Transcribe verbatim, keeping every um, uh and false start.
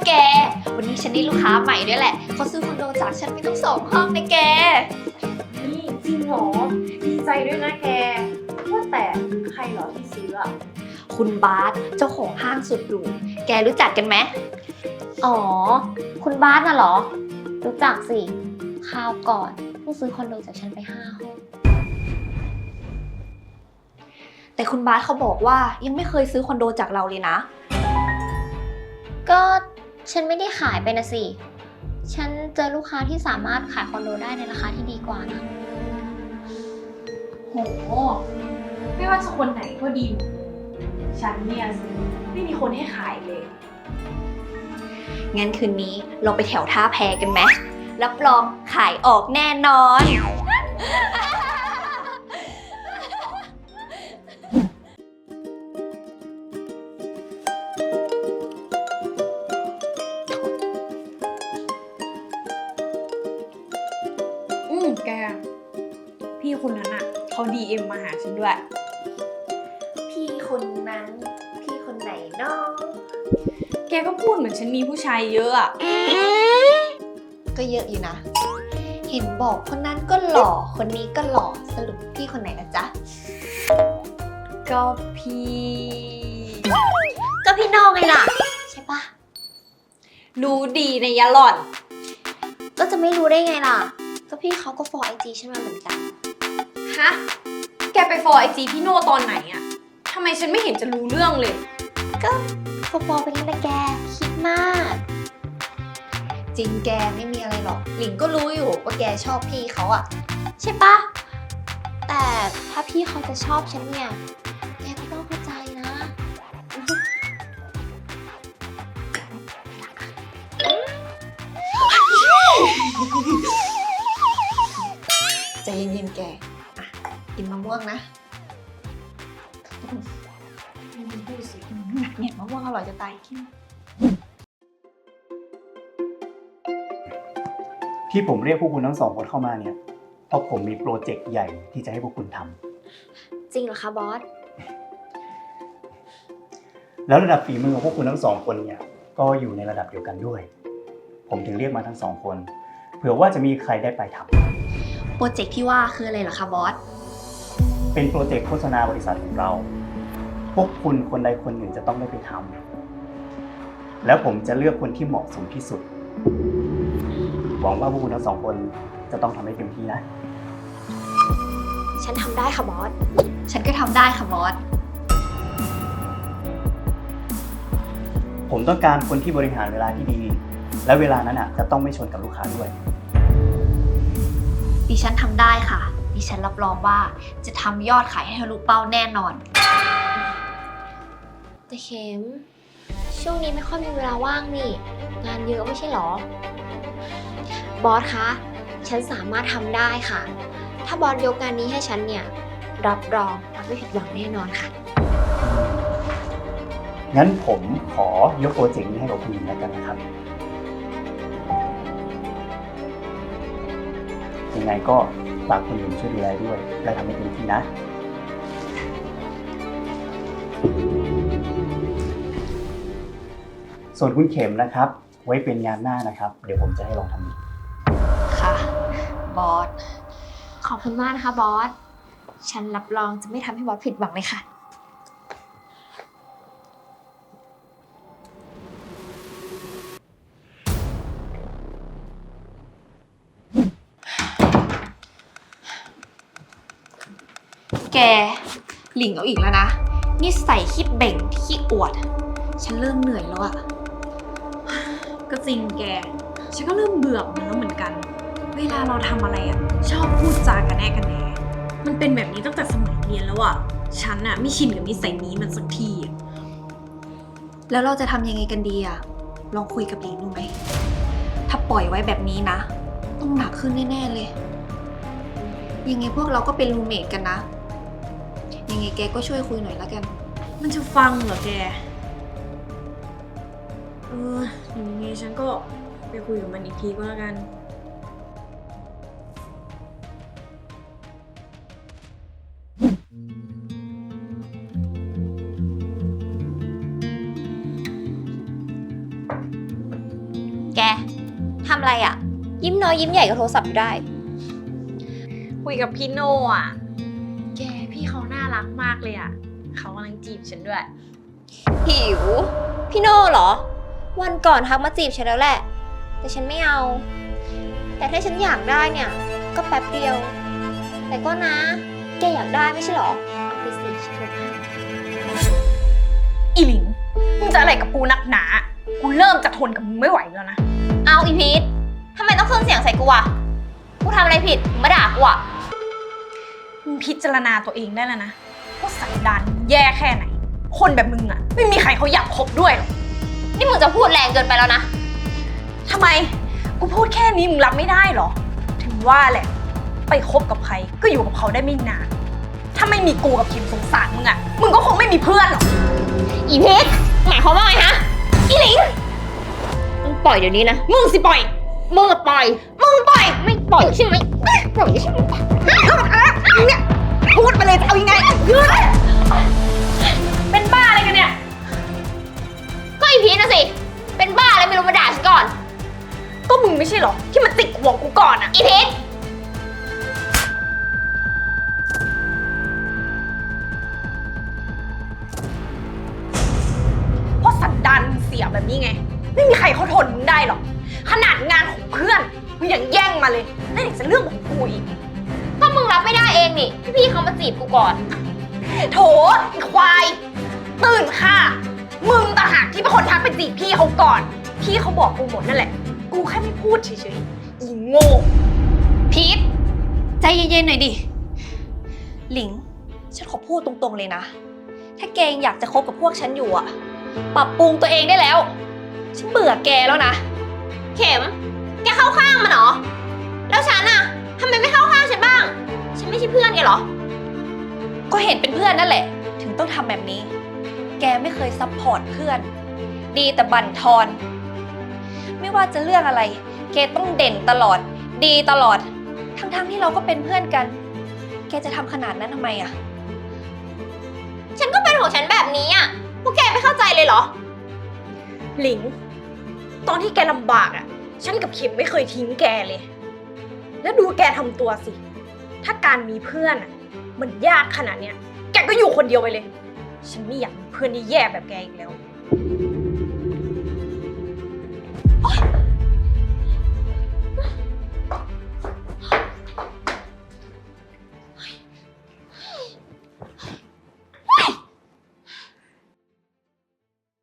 แกวันนี้ฉันได้ลูกค้าใหม่ด้วยแหละเขาซื้อคอนโดจากฉันไปตั้งสองห้องนะแกนี่จริงเหรอดีใจด้วยนะแกว่าแต่ใครเหรอที่ซื้ออะคุณบาสเจ้าของห้างสุดหรูแกรู้จักกันไหมอ๋อคุณบาสน่ะเหรอรู้จักสิคราวก่อนเพิ่งซื้อคอนโดจากฉันไปห้าห้องแต่คุณบาสเขาบอกว่ายังไม่เคยซื้อคอนโดจากเราเลยนะก็ฉันไม่ได้ขายไปนะสิฉันเจอลูกค้าที่สามารถขายคอนโดได้ในราคาที่ดีกว่านะโหไม่ว่าจะคนไหนก็ดีฉันเนี่ยสิไม่มีคนให้ขายเลยงั้นคืนนี้เราไปแถวท่าแพกันไหมรับรองขายออกแน่นอนอืมแกพี่คนนั้นอ่ะเขาดีเอ็มมาหาฉันด้วยพี่คนนั้นพี่คนไหนเนาะแกก็พูดเหมือนฉันมีผู้ชายเยอะอ่ะก็เยอะอยู่นะเห็นบอกคนนั้นก็หล่อคนนี้ก็หล่อสรุปพี่คนไหนนะจ๊ะก็พี่ก็พี่น้องไงล่ะใช่ปะรู้ดีในยะหล่อนก็จะไม่รู้ได้ไงล่ะก็พี่เขาก็ฟอลไอจีฉันมาเหมือนกันฮะแกไปฟอลไอจีพี่โน่ตอนไหนอะทำไมฉันไม่เห็นจะรู้เรื่องเลยก็ฟอลไปแล้วนะแกคิดมากจริงแกไม่มีอะไรหรอกหลิงก็รู้อยู่ว่าแกชอบพี่เขาอะใช่ปะแต่ถ้าพี่เขาจะชอบฉันเนี่ยแกก็ต้องเข้าใจนะใจเย็นๆแกอ่ะกินมะม่วงนะเนี่ยมะม่วงอร่อยจะตายกินที่ผมเรียกพวกคุณทั้งสองคนเข้ามาเนี่ยเพราะผมมีโปรเจกต์ใหญ่ที่จะให้พวกคุณทำจริงเหรอคะบอสแล้วระดับฝีมือของพวกคุณทั้งสองคนเนี่ยก็อยู่ในระดับเดียวกันด้วย ผมถึงเรียกมาทั้งสองคนเผื่อว่าจะมีใครได้ไปทำโปรเจกต์ที่ว่าคืออะไรเหรอคะบอสเป็นโปรเจกต์โฆษณาบริษัทของเราพวกคุณคนใดคนหนึ่งจะต้องได้ไปทำแล้วผมจะเลือกคนที่เหมาะสมที่สุดหวังว่าพวกคุณทั้งสองคนจะต้องทำให้เต็มที่นะฉันทำได้ค่ะบอสฉันก็ทำได้ค่ะบอสผมต้องการคนที่บริหารเวลาที่ดีและเวลานั้นอ่ะจะต้องไม่ชนกับลูกค้าด้วยดิฉันทำได้ค่ะดิฉันรับรองว่าจะทำยอดขายให้ทะลุเป้าแน่นอนแต่เข็มช่วงนี้ไม่ค่อยมีเวลาว่างนี่งานเยอะไม่ใช่หรอบอสคะฉันสามารถทำได้ค่ะถ้าบอสยกงานนี้ให้ฉันเนี่ยรับรองบอสไม่ผิดหวังแน่นอนค่ะงั้นผมขอยกโปรเจกต์นี้ให้กับคุณหญิงแล้วกันนะครับยังไงก็ฝากคุณหญิงช่วยดูแลด้วยและทำให้เต็มที่นะส่วนคุณเข็มนะครับไว้เป็นงานหน้านะครับเดี๋ยวผมจะให้ลองทำอีกค่ะบอสขอบคุณมากนะคะบอสฉันรับรองจะไม่ทำให้บอสผิดหวังเลยค่ะแกหลิงเอาอีกแล้วนะนี่ใส่ขี้เบ่งขี้อวดฉันเริ่มเหนื่อยแล้วอะก็จริงแกฉันก็เริ่มเบื่อมันแล้วเหมือนกันเวลาเราทำอะไรอ่ะชอบพูดจากันแน่กันแน่มันเป็นแบบนี้ตั้งแต่สมัยเรียนแล้วอ่ะฉันอ่ะไม่ชินกับนิสัยนี้มันสักทีแล้วเราจะทำยังไงกันดีอะลองคุยกับหลิงดูไหมถ้าปล่อยไว้แบบนี้นะต้องหนักขึ้นแน่ๆเลยยังไงพวกเราก็เป็นรูมเมทกันนะยังไงแกก็ช่วยคุยหน่อยละกันมันจะฟังเหรอแกเอออย่างนี้ฉันก็ไปคุยกับมันอีกทีก็แล้วกันแกทำอะไรอะยิ้มน้อยยิ้มใหญ่กับโทรศัพท์อยู่ได้คุยกับพี่โน่อะแกพี่เขาน่ารักมากเลยอะเขากำลังจีบฉันด้วยหิว พี่โน่เหรอ วันก่อนทักมาจีบฉันแล้วแหละ แต่ฉันไม่เอา แต่ถ้าฉันอยากได้เนี่ย ก็แป๊บเดียว แต่ก็นะ แกอยากได้ไม่ใช่เหรอ เอาไปสิฉันถูกให้อีหลิงมึงจะอะไรกับกูนักหนา กูเริ่มจะทนกับมึงไม่ไหวแล้วนะเอาอีพีททำไมต้องเครื่องเสียงใส่กูอะกูทำอะไรผิดมึงมาด่ากูอะมึงพิจารณาตัวเองได้แล้วนะว่าสันดานแย่แค่ไหน คนแบบมึงอะไม่มีใครเขาอยากคบด้วยหรอกนี่มึงจะพูดแรงเกินไปแล้วนะทำไม กูพูดแค่นี้มึงรับไม่ได้เหรอ ถึงว่าแหละ ไปคบกับใครก็อยู่กับเขาได้ไม่นาน ถ้าไม่มีกูกับคิมสงสารมึงอะมึงก็คงไม่มีเพื่อนหรอกอีพีทหมายความว่าไงฮะ อีหลิงมึงปล่อยเดี๋ยวนี้นะมึงสิปล่อยมึงอะปล่อย มึงปล่อย ไม่ปล่อยใช่ไหมปล่อยใช่ไหมเนี่ยพูดไปเลยจะเอายังไงยืดเป็นบ้าอะไรกันเนี่ยก็อีพีทนะสิ เป็นบ้าอะไรไม่รู้มาด่าฉันก่อนก็มึงไม่ใช่เหรอที่มาติดหัวกูก่อนอะอีพีทเพราะสันดานมึงเสียแบบนี้ไง ไม่มีใครเขาทนมึงได้หรอก ขนาดงานของเพื่อนมึงยังแย่งมาเลยแล้วอีกจะเรื่องของกูอีกก็มึงรับไม่ได้เองนี่ที่พี่เขามาจีบกูก่อนโถไอ้ควาย ตื่นค่ะ มึงต่างหากที่เป็นคนทักไปจีบพี่เขาก่อน พี่เขาบอกกูหมดนั่นแหละ กูแค่ไม่พูดเฉยๆ อีโง่พีทใจเย็นๆหน่อยดิ หลิง ฉันขอพูดตรงๆเลยนะ ถ้าแกยังอยากจะคบกับพวกฉันอยู่อะปรับปรุงตัวเองได้แล้ว ฉันเบื่อแกแล้วนะเข็ม แกเข้าข้างมันเหรอ แล้วฉันอะทำไมไม่เข้าข้างฉันบ้าง ฉันไม่ใช่เพื่อนแกเหรอก็เห็นเป็นเพื่อนนั่นแหละ ถึงต้องทำแบบนี้ แกไม่เคยซัพพอร์ตเพื่อน ดีแต่บั่นทอน ไม่ว่าจะเรื่องอะไร แกต้องเด่นตลอด ดีตลอด ทั้งๆที่เราก็เป็นเพื่อนกัน แกจะทำขนาดนั้นทำไมอะฉันก็เป็นของฉันแบบนี้อะพวกแกไม่เข้าใจเลยเหรอหลิง ตอนที่แกลำบากอ่ะ ฉันกับเข็มไม่เคยทิ้งแกเลย แล้วดูแกทำตัวสิ ถ้าการมีเพื่อนอ่ะ มันยากขนาดเนี้ย แกก็อยู่คนเดียวไปเลย ฉันไม่อยากมีเพื่อนที่แย่แบบแกอีกแล้วอ